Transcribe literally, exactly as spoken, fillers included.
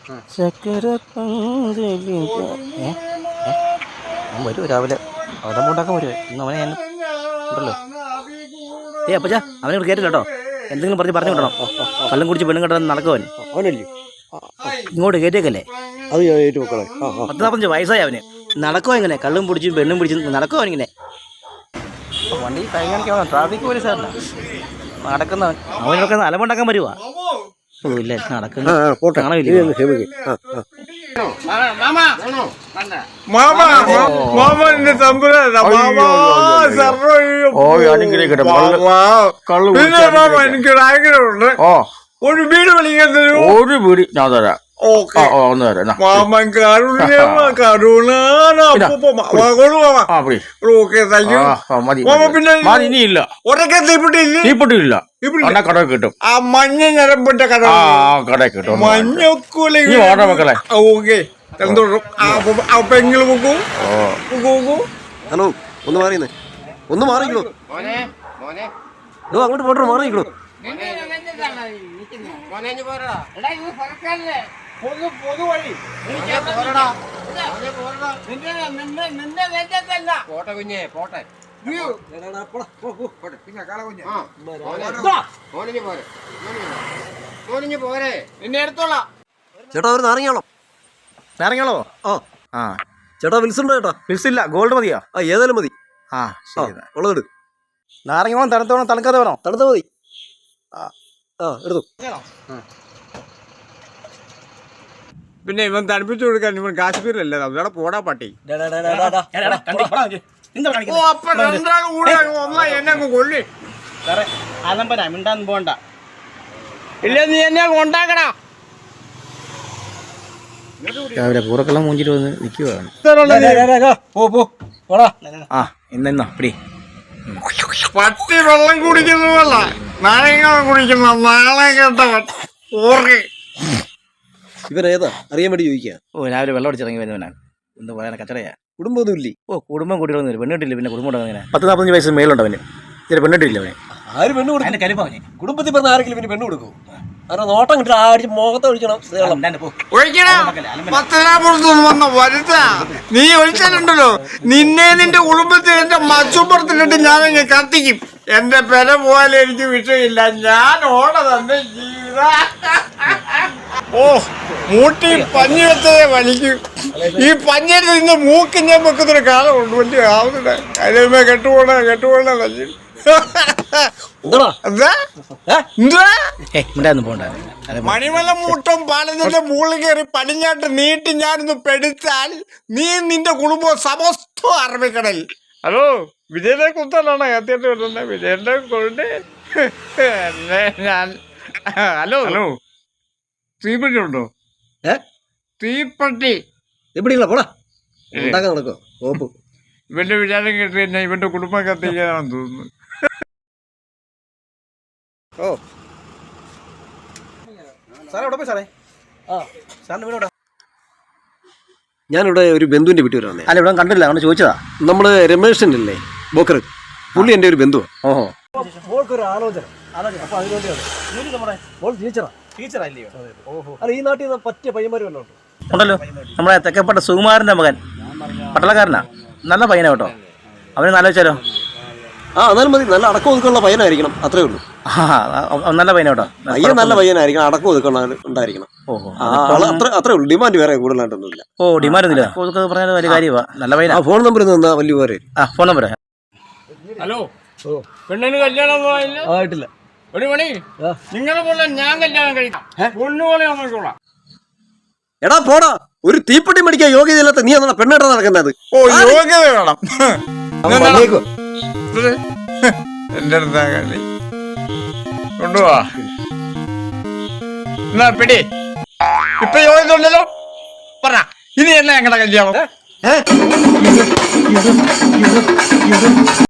ചക്കര പന്തലിൽ ഏ അവൻ വരുമോ രാവിലെ അവതം ഉണ്ടാക്കാൻ വരുമോ ഇന്ന് അവനെ ഞാൻ ഉണ്ടല്ലോ. ഏ അപ്പച്ചാ അവനെ ഇവിടെ കയറ്റില്ല കേട്ടോ. എന്തെങ്കിലും പറഞ്ഞ് പറഞ്ഞു വിടണം. കള്ളും കുടിച്ച് പെണ്ണും കെട്ടാൻ നടക്കുവൻ അവനല്ലേ ഇങ്ങോട്ട് കയറ്റിയേക്കല്ലേ. അത് ഏറ്റു മക്കളെ പത്ത് നാൽപ്പത്തഞ്ച് വയസ്സായി അവന്. നടക്കുവോ ഇങ്ങനെ കള്ളും പിടിച്ചും പെണ്ണും പിടിച്ചും നടക്കുവോ അവനിങ്ങനെ. വണ്ടി കഴിഞ്ഞാൽ ട്രാഫിക് പോലീസാണ് നടക്കുന്നവൻ. അവനൊക്കെ അലമുണ്ടാക്കാൻ വരുവാ. ഓ ഇല്ല നടക്കുന്ന ഒരു വീട് വിളിക്കുന്നത് ഒരു വീട് ഞാൻ തരാം. മാമൻ കരുണ കരുണ ഇനിയില്ല ഒരൊക്കെ തീപ്പെട്ടില്ല കട കിട്ടും. ആ മഞ്ഞ ഞരമ്പിട്ട കട കട കിട്ടും. മഞ്ഞക്കൂല മക്കളെ ഓക്കെ പെങ്ങള് പോക്കൂ പോക്കൂ. ഹലോ ഒന്ന് മാറിയുന്നേ ഒന്ന് മാറിക്കോ അങ്ങോട്ട് പോട്ടോ മാറിക്കോ. ചേട്ടാ ഒരു നാരങ്ങാളോ നാരങ്ങാളോ ആ ആ ചേട്ടാ വിൽസുണ്ടോ ചേട്ടാ? വിൽസ് ഇല്ല, ഗോൾഡ് മതിയോ? ആ ഏതായാലും മതി. ആ ഉള്ളത് നാരങ്ങ വേണം, തണുത്ത വേണം, തണുക്കാതെ വേണോ? തണുത്ത മതി. ആ ആ എടുത്തു. പിന്നെ ഇവൻ തണുപ്പിച്ചു കൊടുക്കാൻ ഇവൻ കാശ്മീരിലല്ലേ അവിടെ പോടാ പട്ടി. മിണ്ടാൻ പോണ്ട ഇല്ല നീ എന്നെ കൊണ്ടാക്കടാ. രാവിലെ പൂറക്കെല്ലാം മൂഞ്ചിട്ട് വന്ന് നിൽക്കുവാണ്. ആ ഇന്ന പിടി പട്ടി വെള്ളം കുടിക്കുന്നതല്ല നാരങ്ങ കുടിക്കുന്ന നാളെ കേട്ടവൻ. ഇവരേതാ അറിയാൻ വേണ്ടി ചോദിക്കുക. ഓ രാവിലെ വെള്ളം അടിച്ചിറങ്ങി വരുന്നവനാണ്. എന്ത് പറയാൻ കച്ചടയാ. കുടുംബമൊന്നും ഇല്ലേ? ഓ കുടുംബം കൂട്ടിയിട്ടൊന്നും പെണ്ണിട്ടില്ല. പിന്നെ കുടുംബം ഉണ്ടോ? പത്ത് നാൽപ്പത്തഞ്ച് വയസ്സ് മേലുണ്ട് അവന്. ഇതിന് പെണ്ണിട്ടില്ല അവനെ. ആര് പെണ്ണ് കൊടുക്കും? കലിപ്പവനെ കുടുംബത്തിൽ പറഞ്ഞ ആരെങ്കിലും പിന്നെ പെണ്ണ് കൊടുക്കും. കാരണം നോട്ടം കിട്ടി ആടിച്ച് മുഖത്ത് ഒഴിക്കണം. നീ ഒഴിച്ചാലുണ്ടല്ലോ നിന്നെ നിന്റെ കുടുംബത്തിൽ എന്റെ മച്ചുപ്പുറത്തിലിട്ട് ഞാൻ ഇങ്ങനെ കത്തിക്കും. എന്റെ പെര പോയാലും എനിക്ക് വിഷയമില്ല. ഞാൻ ഓട തന്നെ ജീവിത. ഓ മൂട്ടി പഞ്ഞി വെച്ചതേ വലിക്കും. ഈ പഞ്ഞിയിൽ നിന്ന് മൂക്ക് ഞാൻ വെക്കുന്നൊരു കാലമുണ്ട്. വലിയ ആവുന്നുണ്ട്. അതിലേ കെട്ടുപോണ കെട്ടുപോണ വലിയ മണിമല മൂട്ടം പാലത്തിന്റെ മുകളിൽ കയറി പടിഞ്ഞാട്ട് നീട്ടി ഞാനൊന്ന് പെടുത്താൽ നീ നിന്റെ കുടുംബം സമസ്ത അറബിക്കടൽ. ഹലോ വിജയനെ കുത്താനാണ് കത്തിയിട്ട് വരുന്നത്. വിജയന്റെ കൊണ്ട് ഞാൻ ഹലോ ഹലോ തീപ്പെട്ടി ഉണ്ടോ? ഏ തീപ്പെട്ടി തീപ്പെട്ടില്ല പോടാ ഉണ്ടാക്കാൻ നടക്കോ ഓപ്പ്. ഇവന്റെ വിചാരം കേട്ട് കഴിഞ്ഞാൽ ഇവന്റെ കുടുംബം കത്തിക്കാനാണെന്ന് തോന്നുന്നു. ഓ ഞാനിവിടെ ഒരു ബന്ധുവിന്റെ വീട്ടിൽ വരാന്നേ. അല്ല ഇവിടെ കണ്ടില്ല, അവിടെ ചോദിച്ചതാ. നമ്മള് രമേശനല്ലേ ബോക്കർ, പുള്ളി എന്റെ ഒരു ബന്ധുവാ. ഓഹോ ആലോചന അപ്പൊ അല്ല ഈ നാട്ടിൽ നിന്ന് പറ്റിയ പയ്യന്മാര് വല്ലതും ഉണ്ടല്ലോ. നമ്മളെ തെക്കപ്പെട്ട സുകുമാരന്റെ മകൻ പട്ടളക്കാരനാ. നല്ല പയ്യനാ കേട്ടോ. അവന് നല്ല വെച്ചാലോ. ആ എന്നാലും മതി. നല്ല അടക്കം ഒതുക്കാനുള്ള പയ്യനായിരിക്കണം, അത്രേ ഉള്ളൂ. നല്ല പയ്യന കേട്ടോ. പയ്യൻ നല്ല പയ്യനായിരിക്കണം, അടക്കം ഒതുക്കണ ഉണ്ടായിരിക്കണം. അത്ര അത്രേ ഉള്ളൂ. ഡിമാൻഡ് വേറെ കൂടുതലായിട്ടൊന്നുമില്ല. ഓ ഡിമാൻഡ് ഒന്നുമില്ല. പറഞ്ഞാൽ വലിയ കാര്യമാണ്. നല്ല പയ്യനാ. ഫോൺ നമ്പർ തന്നാ വലിയ പേര്. ആ ഫോൺ നമ്പർ. ഹലോ പെണ്ണിന് കല്യാണം ആയിട്ടില്ല. ഒരു മണി നിങ്ങളെ പോലെ ഞാൻ കല്യാണം കഴിക്കാം. പൊണ്ണുപോലെ നോക്കിക്കോളാം. എടാ പോടാ, ഒരു തീപ്പെട്ടി മേടിക്കാൻ യോഗ്യതയില്ലാത്ത നീ എന്നാ പെണ്ണേട്ടാ നടക്കുന്നത്? ഓ യോഗ്യത വേണം. എന്റെ അടുത്താ കളി കൊണ്ടുപോവാ. എന്നാ പിടി. ഇപ്പൊ യോഗ്യത ഉണ്ടല്ലോ. പറ ഇനി എന്നാ ഞങ്ങളുടെ കല്യാണം?